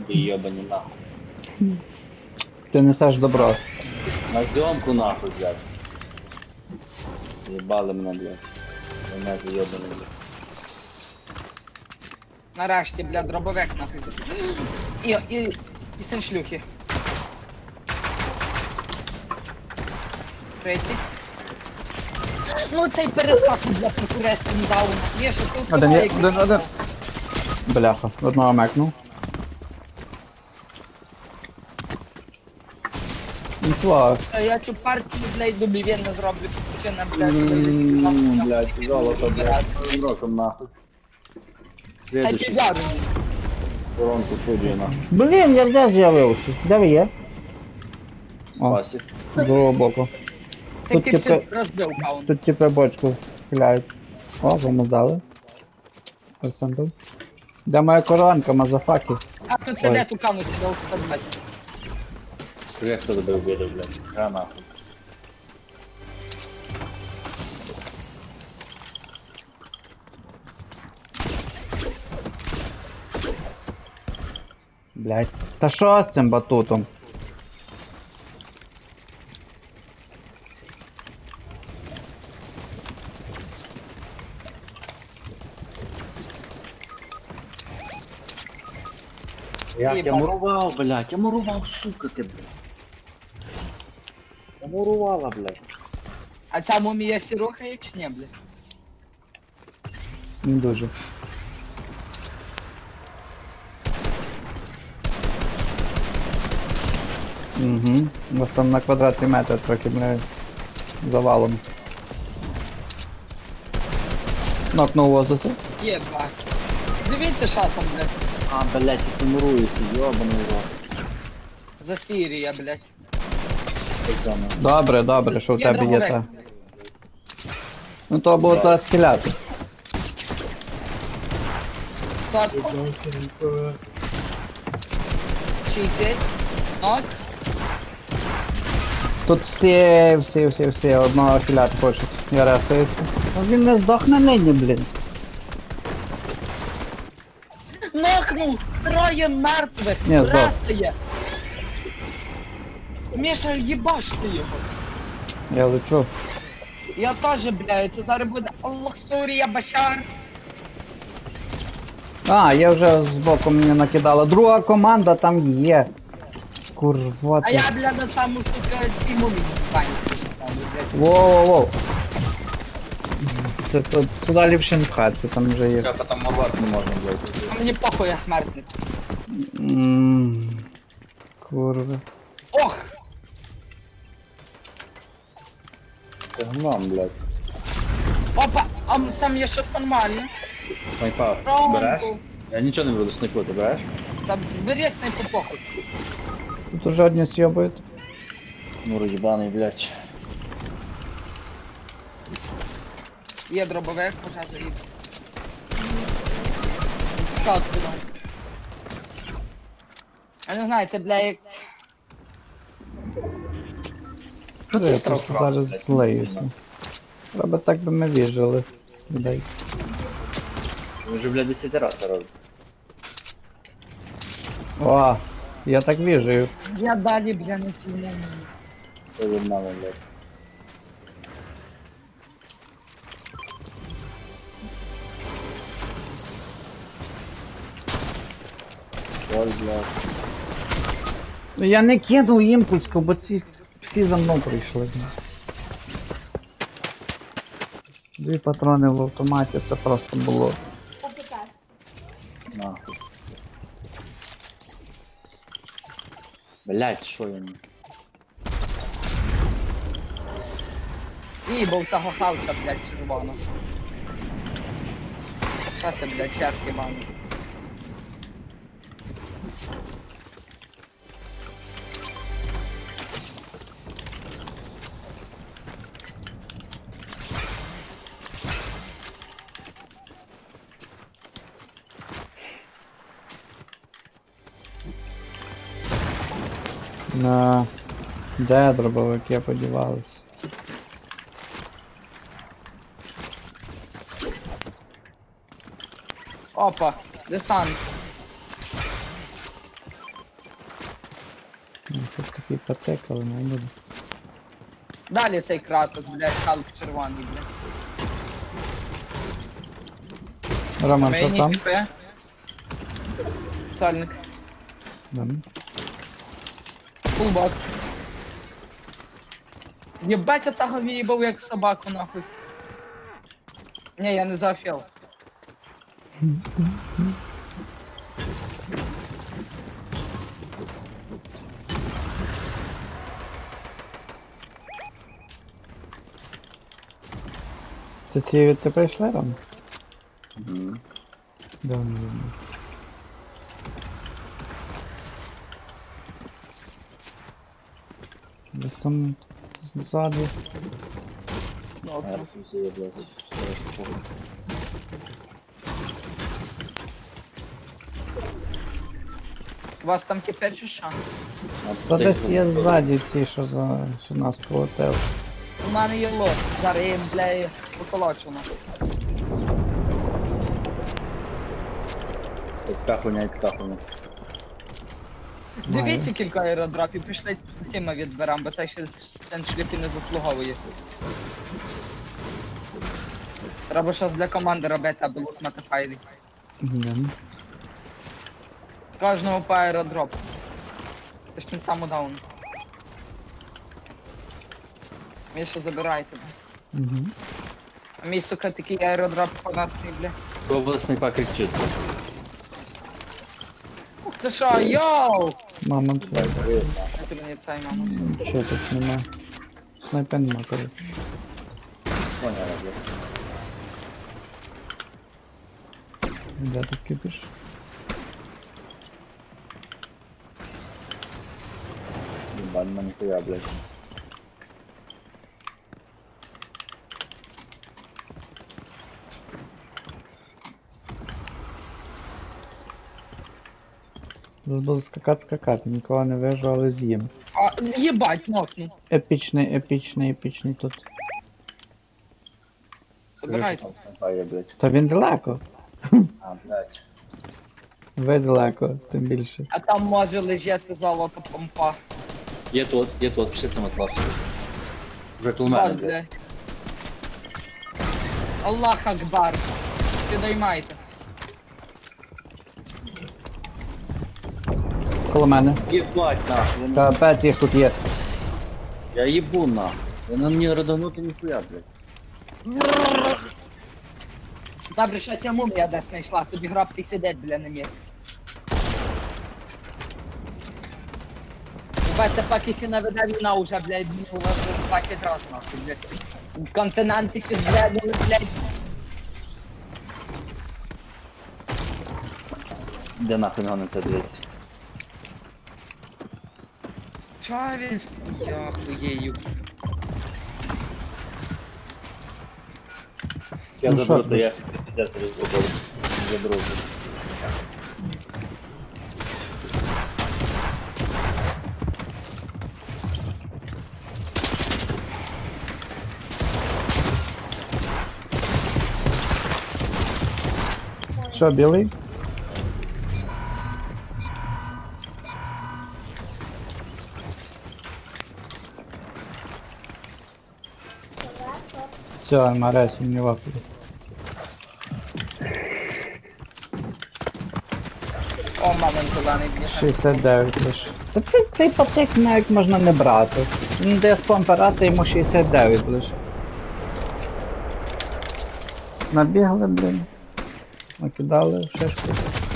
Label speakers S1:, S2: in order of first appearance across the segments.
S1: Ебани нахуй.
S2: Ти несеш добро.
S1: На зйомку нахуй, блядь. Ебали мене, блядь. Мене ебаний, блядь.
S3: Нарешті, бля, дробовик нахуй. І син шлюхи. 30. Ну цей перескак, бля, конкуренції не дав. Є, що тут
S2: Один є,
S3: тримає,
S2: один. Бляха, одного мекнув. Слава.
S3: А я цю партію, блядь, добівенно зроблю. Причина,
S1: Блядь, золото, блядь. Новым роком нахуй.
S3: Хай
S1: Следующий.
S3: підляду.
S1: Воронку судью нахуй.
S2: Блін, я де з'явився? Де ви є? О,
S1: Пасик.
S2: з другого боку.
S3: Це
S2: Тут
S3: ти
S2: типу-
S3: все розбив каунт.
S2: Тут типу бочку стріляють. О, вам здали. Ось там був. Де моя коронка, мазафаки?
S3: А тут це
S2: Ой.
S3: де ту кану сідав 120.
S1: Привет, кто добил беду, блядь. Ра нахуй.
S2: Блять. Та що з цим батутом?
S1: Я мурував, блядь, я мурував, сука ти, блядь. Я мурувала, блядь.
S3: А ця мумія сірухає чи ні, блядь?
S2: Не дуже. Угу. У вас там на квадратний метр трохи, блядь, завалом. Нокнув воздуха.
S3: Є, бак. Дивіться шатом, блядь.
S1: А, блядь, ти муруєшся, ёбаний рот.
S3: За Сірія, блядь.
S1: Пацаны.
S2: Добре, добре, що в
S3: Є
S2: тебе є
S3: дробовик.
S2: та. Ну то було та скеляти.
S3: Сотку. 60. Нок.
S2: Тут всі одного філят хочуть. Я ресуюся. Ну він не здохне нині, блін.
S3: Нокнув! Троє мертвих!
S2: Ні, здох.
S3: Растає! Міша, їбаш ти його!
S2: Я лечу.
S3: Я теж, блядь, це зараз буде Аллах Сурія Башар!
S2: А, я вже збоку мені накидала. Друга команда там є. Курва
S3: А
S2: ти.
S3: я, блядь, на саму, сука, ціму бані ставлю, блядь.
S2: Воу-воу-воу. Це тут сюди ліпше не пхатися, там вже є.
S1: Все, потом мурвать не можно, блядь.
S3: А мені похуй, я смертник.
S2: Курва.
S3: Ох!
S1: Ты гном, блядь.
S3: Опа! А там є щось нормальне.
S1: Снайпа, береш?
S3: Романку.
S1: Я нічого не буду снайпу, ти береш?
S3: Та бери снайпу похуй.
S2: Тут уже одні с'єбують.
S1: Муру ебаный, блядь.
S3: Є дробовик, уже заїб. Сотку дам. Я не знаю, це, бля, як... Що ти
S2: Я
S3: страус
S2: просто зараз злеюся. Треба так би ми віжили. Людей.
S1: Мы уже, блядь, 10 раз это робим.
S2: О, я так віжую.
S3: Я далі, бля, не цілую.
S1: Что за мама, блядь. Ой, блядь.
S2: Ну я не кинув імпульску, бо ці всі за мною прийшли. Дві патрони в автоматі, це просто було.
S1: Нахуй. Блядь, що я не...
S3: Їбав цього халка, блядь, червоно. Що ти, блядь, черт єбаний?
S2: На... Де дробовики подівались?
S3: Опа, десант.
S2: Ну, тут такий патек, але не буде.
S3: Далі цей Кратос, блядь, Халк червоний, блядь.
S2: Роман,
S3: Мені
S2: хто там?
S3: ХП. Сальник.
S2: Да.
S3: Фулбокс. Єбать, я цього в'їбав як собаку, нахуй. Ні, я не зафіл.
S2: Це ці від тебе йшли, Ром?
S1: Мгм.
S2: Да, не видно. Десь там ззаду.
S3: Ну, окей.
S1: Зараз усі є, блядь. Зараз похуй.
S3: У вас там тепер чи що?
S2: Та десь є ззаді ці, що нас полетели.
S3: У мене є лот. Зараз я їм, бля, поколочу, нахуй.
S1: Така хуйня і така хуйня.
S3: Дивіться кілька аеродропів, пішли тіма відберем, бо це ще стен шліпі не заслуговує. Треба щось для команди робити, аби лут матифайли.
S2: Йдемо.
S3: Кожного по аеродропу. Це ж тим саму даун. Міша, забирайте.
S2: Угу.
S3: А мій, сука, такий аеродроп по нас не, бля.
S1: Пробував снайпа кричить.
S3: Ух ти що, йоу!
S2: Мамонт вийде.
S3: Це мені цей мама.
S2: Що тут нема? Снайпер нема, коротше.
S1: Поняла, блядь.
S2: Де ти кипиш?
S1: Ебать, на ніхуя, блядь.
S2: Зараз буду скакати, нікого не вижу, але з'їм.
S3: А, єбать, нокну.
S2: Епічний тут.
S3: Забирайте.
S1: Там снайпа є, блядь.
S2: Та він далеко.
S1: А, блядь.
S2: Ви далеко, тим більше.
S3: А там може лежати золото помпа.
S1: Є тут, пішли цим класу. Вже тут у мене,
S3: Бать,
S1: блядь.
S3: бля. Аллах Акбар. Підіймайте.
S2: Коло мене.
S1: Єбать, нахуй.
S2: Капець їх тут є.
S1: Я їбу, нахуй. Вона мені родонути ніхуя, блядь.
S3: Добре, що ця мумія десь знайшла, собі гробки сидять, бля, на місці. Бать, це поки сі наведе війна уже, блядь, у вас 20 раз, нахуй, блядь. Континенти сі зглядали, блядь.
S1: Де нахуй на це дивиться?
S3: Чого він я хуєю?
S1: Я
S2: Ну,
S1: заберу,
S2: що
S1: то
S2: ти?
S1: я піздець розробив. Заберу.
S2: Що, білий? Все, Марес, не вафлю.
S3: О, мамин зелений, бляха.
S2: 69 лише. Та цей патек навіть можна не брати. Він дає спам параса, йому 69 лише. Набігли, блін. Накидали шишку.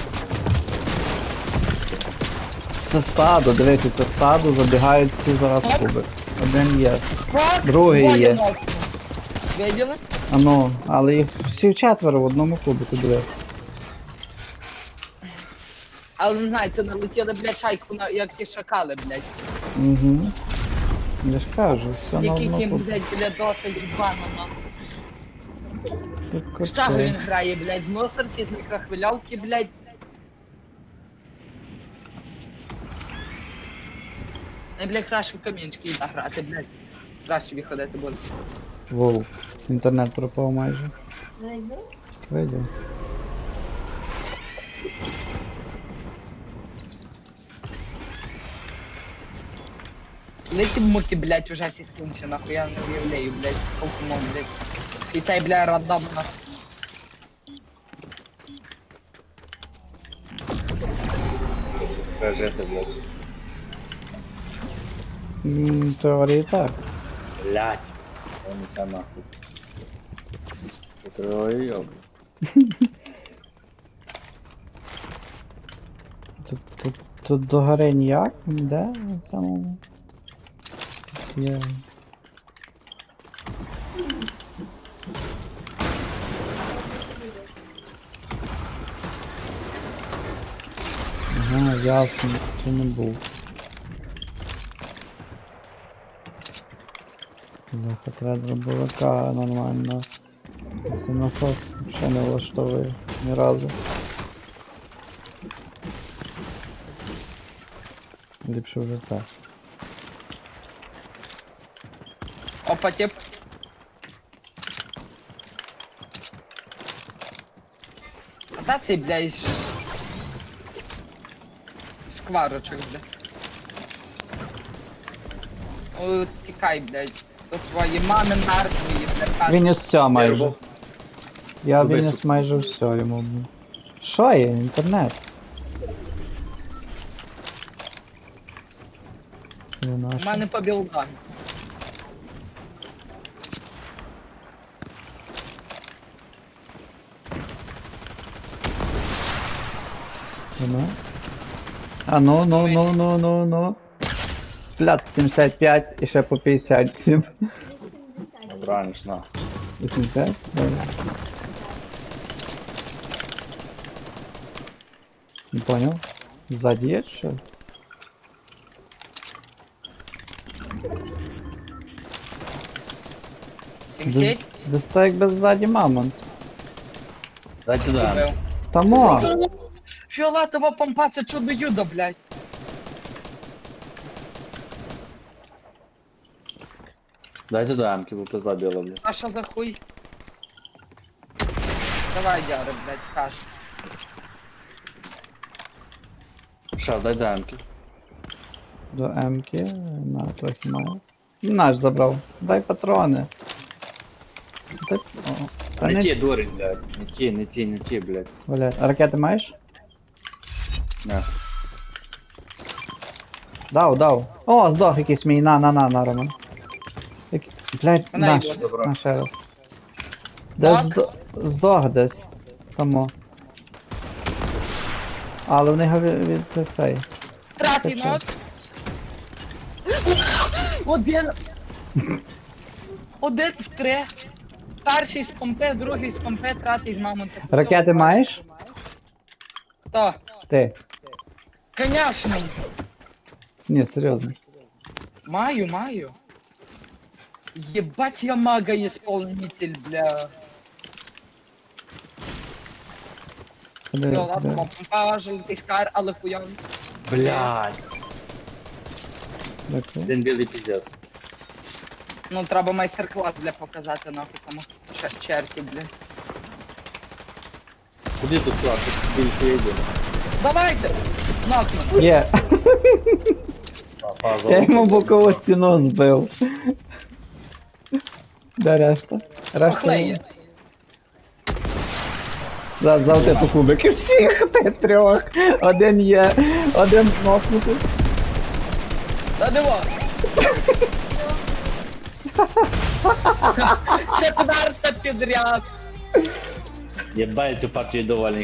S2: Це стадо, дивіться, це стадо, забігають всі зараз в куби. Один є.
S3: Фак,
S2: Другий
S3: двоє
S2: є.
S3: нокнув. Виділи?
S2: А ну, але їх всі четверо в одному кубику, диви.
S3: Але не знаю, це налетіли, блядь, чайку, як ті шакали, блядь.
S2: Угу. Я ж кажу, все на
S3: Який
S2: одному
S3: ким,
S2: кубику.
S3: блядь, біля доти їбана, нахуй.
S2: Тут
S3: З чого
S2: коти.
S3: він грає, блядь? З мусорки, з мікрохвильовки, блядь. Не, блядь, краще в камінчики йде грати, блядь. Краще виходити буде.
S2: Воу, інтернет пропав майже. Видів.
S3: Леті муки, блядь, уже всі скінче, нахуй, я не уявляю, блядь, сколько мог, блядь. І цей, бля, рандом, нахуй.
S1: Прожити, блядь.
S2: В теорії так.
S1: Блядь. Он це нахуй. Ой,
S2: Тут до гори ніяк? Де? В самому? Є. Ага, ясно, це не був. Бляха, треба дробовика нормально. Це насос ще не влаштовує ні разу. Ліпше вже це.
S3: Опа, тип. А та цей, блядь, шкварочок, блядь. О, тікай, блядь, до своєї мами мертвої, блядь.
S2: Він із все майже. Я
S1: Куди
S2: виніс
S1: сюди?
S2: майже все йому. Що є? Інтернет? Не
S3: У
S2: наш.
S3: мене по білдам.
S2: Ну. А ну. Блядь, 75 і ще по 57.
S1: Раниш, на.
S2: 80? Добре. Не понял. Сзади є що?
S3: Сімсять?
S2: Десь так якби ззаді мамонт.
S1: Дай сюди.
S3: Вбив.
S2: Тамо!
S3: Фіолетова помпа, це чудо-юдо, блядь.
S1: Дай сюди амки, бо пизда біла, блядь.
S3: А що за хуй? Давай, Дяри, блядь, кас.
S1: Ша, дай амки.
S2: До М-ки. На, трохи маю. Наш забрав. Дай патрони. Дай... О, та
S1: Не ті,
S2: ц-
S1: дурень, блядь. Не ті, блядь.
S2: Блядь, а ракети маєш?
S1: На.
S2: Дав. О, здох якийсь мій, на, Роман. Блядь,
S3: Вона
S2: наш,
S3: йде.
S1: Добро.
S2: на ще раз. Десь
S3: Так?
S2: здох десь. Тому. Але вони його від цей.
S3: Третій
S2: Ти що?
S3: нот. Один. Один в три. Перший з помпи, другий з помпи, третій з мамонта. Це
S2: Ракети
S3: все.
S2: маєш?
S3: Хто?
S2: Ти.
S3: Конечно.
S2: Ні, серйозно.
S3: Маю. Ебать я мага-исполнитель, бля.
S2: Куди,
S3: Ну ладно,
S2: куди?
S3: помпа, желтий скар, але хуйовий.
S1: Блядь.
S2: Дякую.
S1: Один білий піздець.
S3: Ну треба майстер-клас, бля, показати нахуй цьому черті, бля.
S1: Куди тут клас? Тут більше йде.
S3: Давайте! Нокну.
S2: Є. Я йому бокову стіну збив. Де решта?
S3: Похлеє.
S2: Завжди типу кубики всіх ти трьох. Один є, один нокнутий.
S3: Та диво. Четверта підряд.
S1: Єбать, цю партію доволі